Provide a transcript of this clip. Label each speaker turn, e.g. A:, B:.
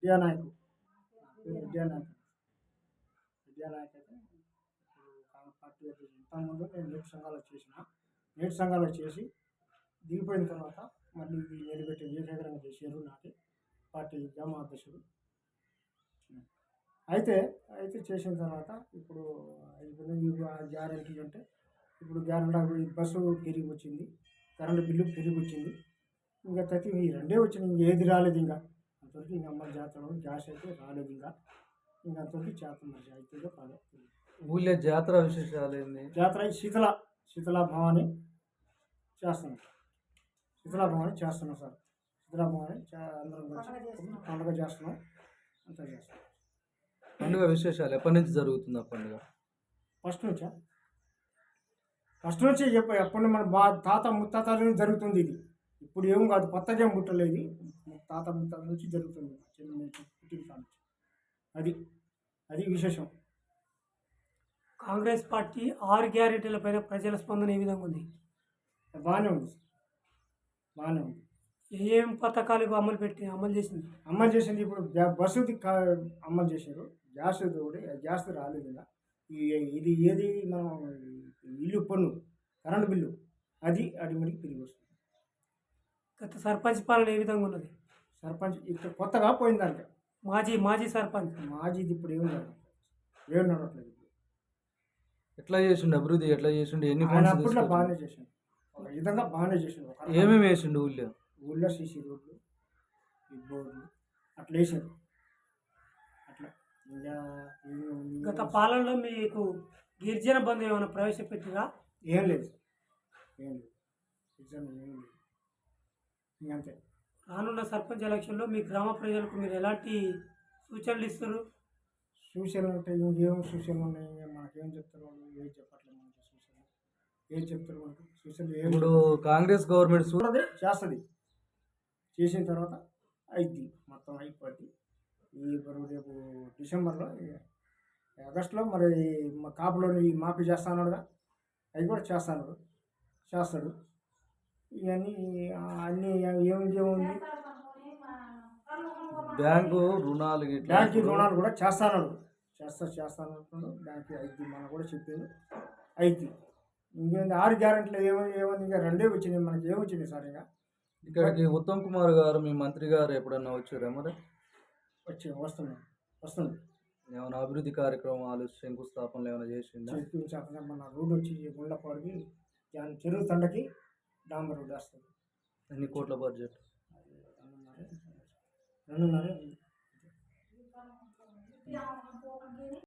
A: విద్యానాయకు విద్యానాయక్ విద్యానాయక్ అయితే ఇప్పుడు కాంగ్రెస్ పార్టీ ఇంతకుముందు నేను నేటి సంఘాలు చేసి దిగిపోయిన తర్వాత మళ్ళీ ఇది నిలబెట్టి ఏకగ్రంగా చేశారు నాటి పార్టీ గ్రామ అధ్యక్షుడు. అయితే అయితే చేసిన తర్వాత ఇప్పుడు గ్యారెంటీలు అంటే ఇప్పుడు గ్యారెంటీ బస్సు పెరిగి వచ్చింది, కరెంటు బిల్లు పెరిగి వచ్చింది, ఇంకా ప్రతి ఈ రెండే వచ్చింది, ఇంక ఏది రాలేదు. ఇంకా అంతవరకు ఇంకా అమ్మ జాతర గ్యాస్ అయితే రాలేదు. ఇంకా అంతవరకు చేస్తున్నారు అవుతుందో కాదో.
B: ఊళ్ళో జాతర విశేషాలు ఏంది?
A: జాతర శీతలా భవాని చేస్తున్నాం. శీతలా భవాని చేస్తున్నాం సార్. శీతలా భవాని అందరం కలిసి పండుగ చేస్తున్నాం. అంతా చేస్తున్నాం.
B: పండుగ విశేషాలు ఎప్పటి నుంచి జరుగుతుంది ఆ పండుగ?
A: ఫస్ట్ నుంచి ఎప్పటి మన తాత ముత్తాతల నుంచి జరుగుతుంది ఇది. ఇప్పుడు ఏం కాదు, కొత్తగా ఏం పుట్టలేదు, తాత ముత్తాతల నుంచి జరుగుతుంది. అది అది విశేషం.
C: కాంగ్రెస్ పార్టీ 6 గ్యారెంటీల పైన ప్రజల స్పందన ఏ విధంగా ఉంది?
A: బాగానే ఉంది.
C: ఏం పథకాలు అమలు చేసింది?
A: అమలు చేసింది ఇప్పుడు బస్సుది అమలు చేశారు. గ్యాస్ రాలేదు. ఇలా ఇది ఏది మనం ఇల్లు పన్ను కరెంటు బిల్లు అది అడిమడికి తిరిగి వస్తుంది.
C: గత సర్పంచ్ పాలన ఏ విధంగా ఉన్నది?
A: సర్పంచ్ ఇక్కడ కొత్తగా పోయిందంటే
C: మాజీ సర్పంచ్
A: మాజీది ఇప్పుడు ఏం నడవట్లేదు.
B: ఎట్లా చేసిండు అభివృద్ధి? ఎట్లా చేసిండు? ఎన్ని
A: అప్పట్లో బాగానే చేసిండు, ఒక విధంగా బాగానే చేసిండు.
B: ఏమేమి వేసిండు
A: ఊళ్ళో సీసీ రోడ్లు, ఈ బోర్డులు అట్లా వేసారు. అట్లా ఇంకా
C: గత పాలనలో మీకు గిరిజన బంధు ఏమైనా ప్రవేశపెట్టిరా?
A: ఏం లేదు. గిరిజన ఏం లేదు. ఇంకంతే.
C: రానున్న సర్పంచ్ ఎలక్షన్లో మీ గ్రామ ప్రజలకు మీరు ఎలాంటి సూచనలు ఇస్తారు?
A: సూచనలు అంటే ఇంకేం సూచనలు ఉన్నాయి? మనకేం చెప్తారు వాళ్ళు? ఏం చెప్పట్లేదు మనకి సూచనలు. ఏం చెప్తారు మనకు సూచనలు?
B: ఇప్పుడు కాంగ్రెస్ గవర్నమెంట్
A: చేస్తుంది. చేసిన తర్వాత అయింది, మొత్తం అయిపోద్ది. రేపు డిసెంబర్లో ఆగస్టులో మరి మా కాపులోని మాఫీ చేస్తానుగా, అవి కూడా చేస్తాడు. ఇవన్నీ అన్నీ ఏముంది,
B: బ్యాంకు రుణాలు
A: కూడా చేస్తాను. బ్యాంకు అయింది, మనం కూడా చెప్పింది అయింది. ఇంకేంది 6 గ్యారెంటీలు ఏమని ఇంకా 2 వచ్చినాయి. మనకి ఏమొచ్చినాయి సార్? ఇంకా
B: ఇక్కడికి ఉత్తమ్ కుమార్ గారు మీ మంత్రి గారు ఎప్పుడన్నా వచ్చారా? మరి
A: వస్తుంది.
B: ఏమైనా అభివృద్ధి కార్యక్రమాలు శంకుస్థాపనలు ఏమైనా చేసిందా?
A: మన రోడ్డు వచ్చి గుండ్లపాడికి చెరువు తండకి డాంబర్ రోడ్డు వస్తుంది.
B: ఎన్ని కోట్ల బడ్జెట్?
A: 2.5